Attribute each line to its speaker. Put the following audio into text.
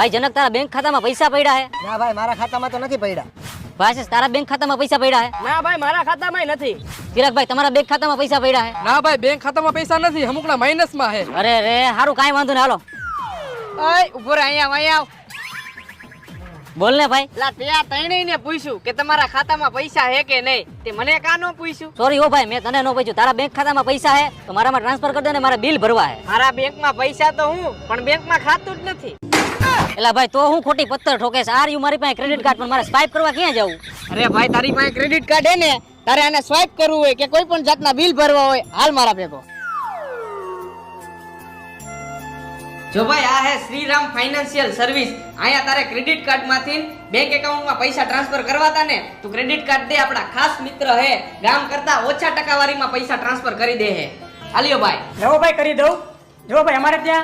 Speaker 1: ભાઈ જનક તારા બેંક ખાતામાં પૈસા પડ્યા હે?
Speaker 2: ના ભાઈ મારા ખાતામાં તો નથી પડ્યા.
Speaker 1: ભાઈ તારા બેંક ખાતામાં પૈસા પડ્યા હે?
Speaker 3: ના ભાઈ મારા ખાતામાં નથી.
Speaker 1: ચિરાગભાઈ તમારા બેંક ખાતામાં પૈસા પડ્યા હે?
Speaker 4: ના ભાઈ બેંક ખાતામાં પૈસા નથી, અમુકના માઇનસમાં હે.
Speaker 1: અરે રે હારું કાંઈ વાંધો નહીં, હાલો
Speaker 3: ઓય ઉભો રહે, અહીંયા આવ.
Speaker 1: બોલ ને ભાઈ.
Speaker 3: લા તે આ ત્રણેયને પૂછ્યું કે તમારા ખાતામાં પૈસા હે કે નહીં, તે મને કા નો પૂછ્યું?
Speaker 1: સોરી હો ભાઈ, મેં તને નો પૂછ્યું. તારા બેંક ખાતામાં પૈસા હે તો મારામાં ટ્રાન્સફર કરી દે ને, મારે બિલ ભરવા હે.
Speaker 3: મારા બેંકમાં પૈસા તો હું, પણ બેંકમાં ખાતું જ નથી.
Speaker 1: એલા ભાઈ તો હું ખોટી પત્તર ઠોકે છે. આર યુ મારી પાસે ક્રેડિટ કાર્ડ, પણ મારે સ્વાઇપ કરવા ક્યાં જવું?
Speaker 3: અરે ભાઈ તારી પાસે ક્રેડિટ કાર્ડ હે ને, તારે આને સ્વાઇપ કરવું હોય કે કોઈ પણ જાતના બિલ ભરવા હોય, હાલ મારા ભેગો. જો ભાઈ આ હે શ્રીરામ ફાઇનાન્શિયલ સર્વિસ. અહીંયા તારે ક્રેડિટ કાર્ડ માંથી બેંક એકાઉન્ટમાં પૈસા ટ્રાન્સફર કરવાતા ને, તું ક્રેડિટ કાર્ડ દે, આપણા ખાસ મિત્ર હે, ગામ કરતા ઓછા ટકાવારીમાં પૈસા ટ્રાન્સફર કરી દે હે. હાલ્યો ભાઈ.
Speaker 5: જો ભાઈ કરી દઉં. જો ભાઈ અમારે ત્યાં